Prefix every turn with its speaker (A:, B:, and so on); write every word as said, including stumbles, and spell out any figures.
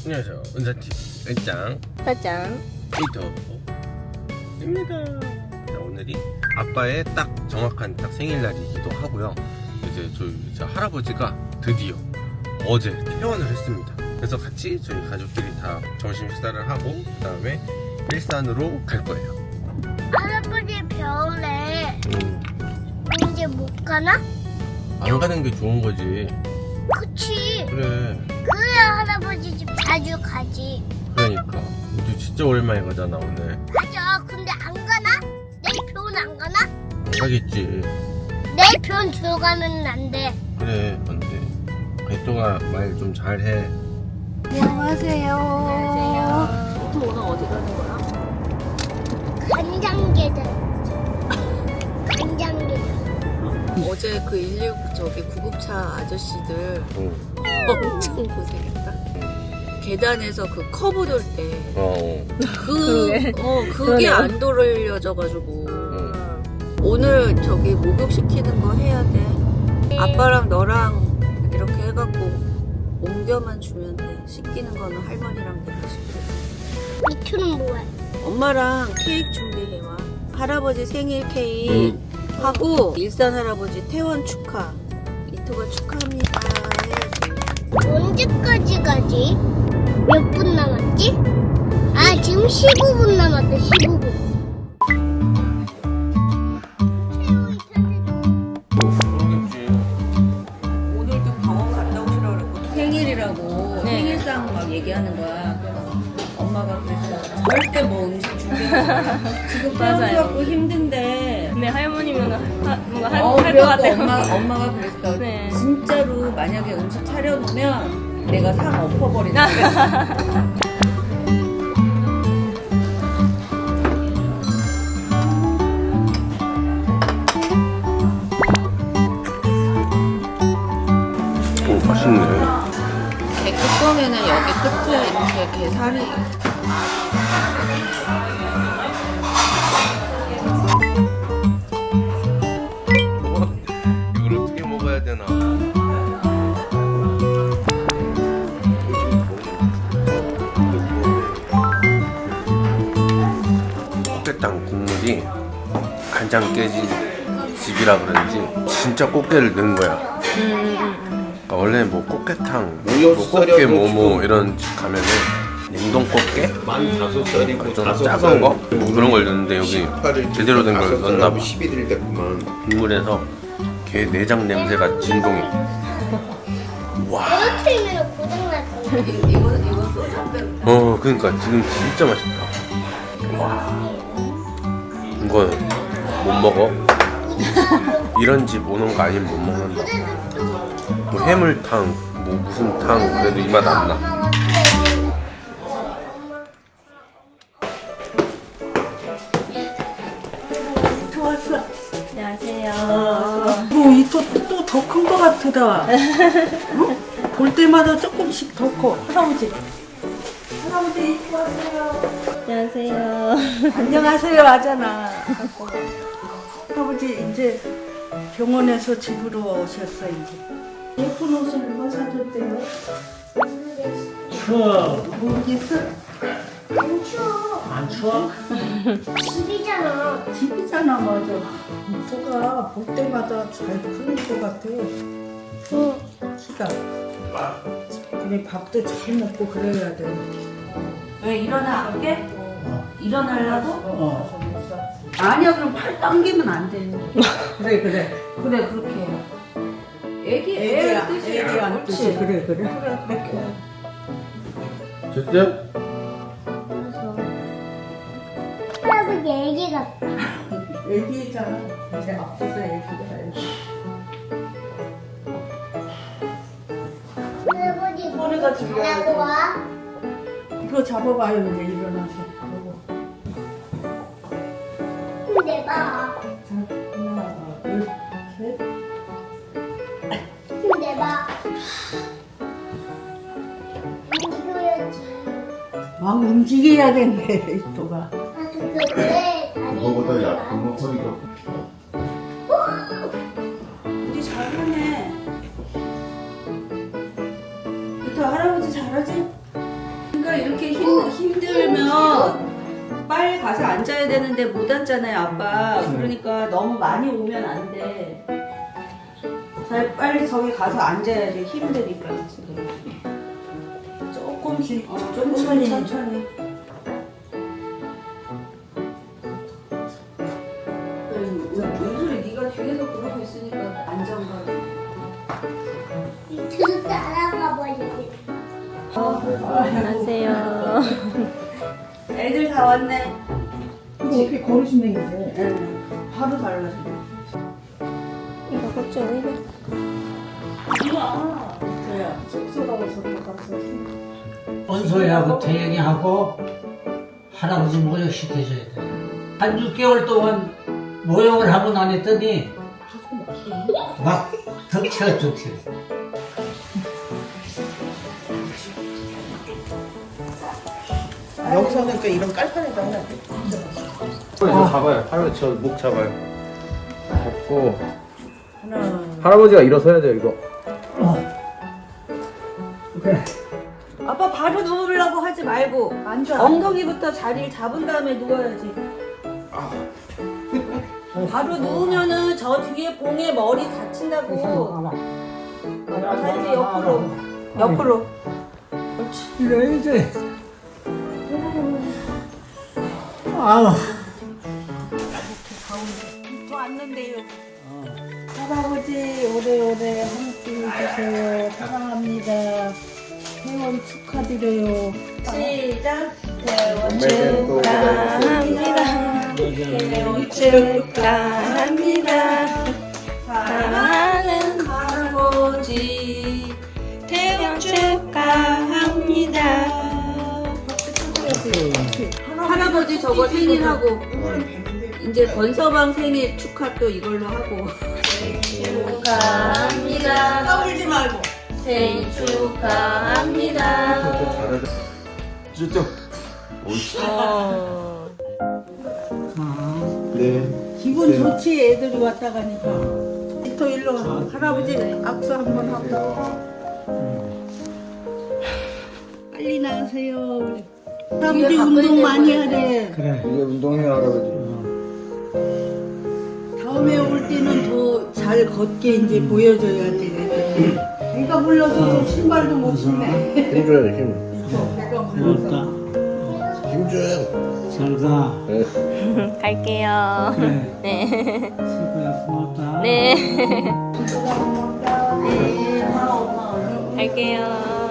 A: 안녕하세요. 은사TV 은짱
B: 짜잔.
A: 이토입니다. 자, 오늘이 아빠의 딱 정확한 딱 생일날이기도 하고요. 이제 저희 이제 할아버지가 드디어 어제 퇴원을 했습니다. 그래서 같이 저희 가족끼리 다 점심 식사를 하고 그 다음에 일산으로 갈 거예요.
C: 할아버지 병원에
A: 음,
C: 이제 못 가나?
A: 안 가는 게 좋은 거지.
C: 그치.
A: 그래.
C: 그래야 할아버지 집 자주 가지.
A: 그러니까 우리 진짜 오랜만에 가잖아 오늘.
C: 맞아. 근데 안 가나? 내일 병원 안 가나?
A: 안 가겠지.
C: 내일 병원 들어가면 안 돼.
A: 그래 안돼. 개똥아 말 좀 잘해.
B: 안녕하세요. 안녕하세요. 또 오늘 어디 가는 거야?
C: 간장게장. 간장게장.
B: 어제 그 일일구 저기 구급차 아저씨들
A: 응.
B: 엄청 고생했다. 계단에서 그 커브 돌 때
A: 어.
B: 그, 어, 그게
D: 그러네요.
B: 안 돌려져가지고
A: 응.
B: 오늘 저기 목욕시키는 거 해야 돼. 아빠랑 너랑 이렇게 해갖고 옮겨만 주면 돼. 씻기는 거는 할머니랑 내가 씻고.
C: 미투는 뭐야?
B: 엄마랑 케이크 준비해와. 할아버지 생일 케이크 하고 일산 할아버지 퇴원 축하. 이토가 축하합니다 해야지.
C: 언제까지 가지? 몇 분 남았지? 아, 지금 십오 분 남았다. 십오 분.
B: 오늘도 병원 갔다 오시라 그랬고 생일이라고 생일상 막 얘기하는 거야. 그래서 엄마가 그랬어. 절대 뭐 음식 준비하지 마라. 지금 태어나고 힘든데.
D: 네, 할머니면 하, 뭔가 할,
B: 어,
D: 할 것
B: 그래갖고
D: 같아요.
B: 엄마, 엄마가 그랬어.
D: 네.
B: 진짜로 만약에 음식 차려놓으면 내가 상 엎어버린다.
A: 오 맛있네.
B: 개 뚜껑에는 여기 끝에 이렇게 게살이.
A: 이걸 어떻게 먹어야 되나? 꽃게탕 국물이 간장 깨진 집이라 그런지 진짜 꽃게를 넣은 거야. 그러니까 원래 뭐 꽃게탕, 뭐 꽃게 뭐뭐 이런 집 가면은 냉동 꽃게,
E: 만 다섯 살이고
A: 좀
E: 다섯
A: 작은 거
E: 살.
A: 뭐 그런 걸 넣는데 여기 제대로 된 걸 넣나 봐.
E: 십일 일 됐구만.
A: 국물에서 게 내장 냄새가 진동이. 와.
C: 떨어뜨리면 고장날 거야.
B: 이거, 이거 소주 한 병.
A: 어 그러니까 지금 진짜 맛있다. 와. 이거는 못 먹어. 이런 집 오는 거 아니면 못 먹는다. 뭐 해물탕, 뭐 무슨 탕 그래도 이 맛 안 나.
D: 안녕하세요.
F: 뭐 이토 또 더 큰 거 같다. 응? 볼 때마다 조금씩 더 커. 할아버지. 할아버지 이토 왔어요.
D: 안녕하세요.
F: 안녕하세요 하잖아. 할아버지 이제 병원에서 집으로 오셨어 이제. 예쁜 옷을 누가 사줬대요?
G: 추워.
F: 모르겠어?
C: 안 추워.
G: 안 추워?
C: 집이잖아.
F: 집이잖아 맞아. 이토가 볼 때마다 잘 크는 거 같아.
C: 응.
F: 키가. 그래 밥도 잘 먹고 그래야 돼.
B: 왜 일어나 안 게? 일어나려고?
F: 어. 아니야 그럼 팔 당기면 안 돼. 그래 그래.
B: 그래 그렇게 해. 애기 애
F: 애기야
B: 뜻이
F: 애기야 뜻이 그래 그래.
A: 됐어요?
C: 할아버지 애기 같다.
F: 애기잖아. 이제 앞서서 애기가.
C: 할아버지
F: 소리가 들려야
C: 잘하고
F: 돼.
C: 와.
F: 이거 잡아봐요 이제 일어나서. 이거.
C: 힘내봐.
F: 자 하나 둘 셋.
C: 힘내봐. 움직여야지.
F: 막 움직여야 된대 이토가.
C: 아, 그, 그래. 다리.
E: 그거보다 약한 거 허리가.
F: 우리 잘하네. 이토 할아버지 잘하지?
B: 아빠 이렇게 힘, 힘들면 빨리 가서 앉아야 되는데 못 앉잖아요, 아빠. 그러니까 너무 많이 오면 안 돼. 잘 빨리 저기 가서 앉아야 돼. 힘드니까 지금. 조금씩, 어, 조금씩 천천히. 윤소리 네가 뒤에서 그러고 있으니까 안정감.
C: 밑으로 따라가 버리겠다.
D: 안녕하세요.
B: 애들 다 왔네.
F: 이거 어떻게 걸으시면 이제
B: 응.
F: 바로 달라져.
D: 이거 고추 이거.
B: 그래요.
F: 쑥쑥하고서 가서.
G: 원소희하고 태영이하고 할아버지 모욕시켜줘야 돼. 한 육 개월 동안 모욕을 하고 안 했더니 막 덕쳐 덕쳐.
F: 여기서는 그러니까 이런 깔판에다 해야 돼.
E: 이거 잡아요. 할아버지 저 목 잡아요. 잡고
F: 하나.
E: 할아버지가 일어서야 돼요 이거.
B: 아빠 바로 누우려고 하지 말고
F: 앉아.
B: 엉덩이부터 자리를 잡은 다음에 누워야지. 바로 누우면은 저 뒤에 봉에 머리 다친다고. 자 이제 옆으로 옆으로.
G: 이래야지. 아우.
B: 더 앉는데요.
F: 할아버지 오래오래 함께 해주세요. 사랑합니다. 퇴원 축하드려요.
B: 시작.
D: 축하합니다. 퇴원 축하합니다. 사랑하는
B: 할아버지
D: 퇴원 축하합니다.
B: 할아버지 저거 생일하고 이제 권서방 생일 축하 또 이걸로 하고.
D: 축하합니다.
B: 까불지 말고.
D: 생일 축하합니다.
E: 쭈쭈.
D: 어.
E: 네.
F: 기분 좋지 애들이 왔다 가니까. 또 일로 와. 할아버지 악수 한번 하고. 빨리 나가세요. 그래. 할아버지 운동 많이 하래.
G: 그래.
E: 이제 운동해 할아버지.
F: 다음에 올 때는 더 잘 걷게 이제 보여줘야 돼. 내가 불러서 신발도 못 신네.
E: 힘줘요 힘.
F: 내가 불러서.
G: 고맙다.
E: 힘줘요.
G: 잘 가.
E: 네.
D: 갈게요.
G: 그래.
D: 네.
G: 친구야 고맙다.
D: 네. 갈게요.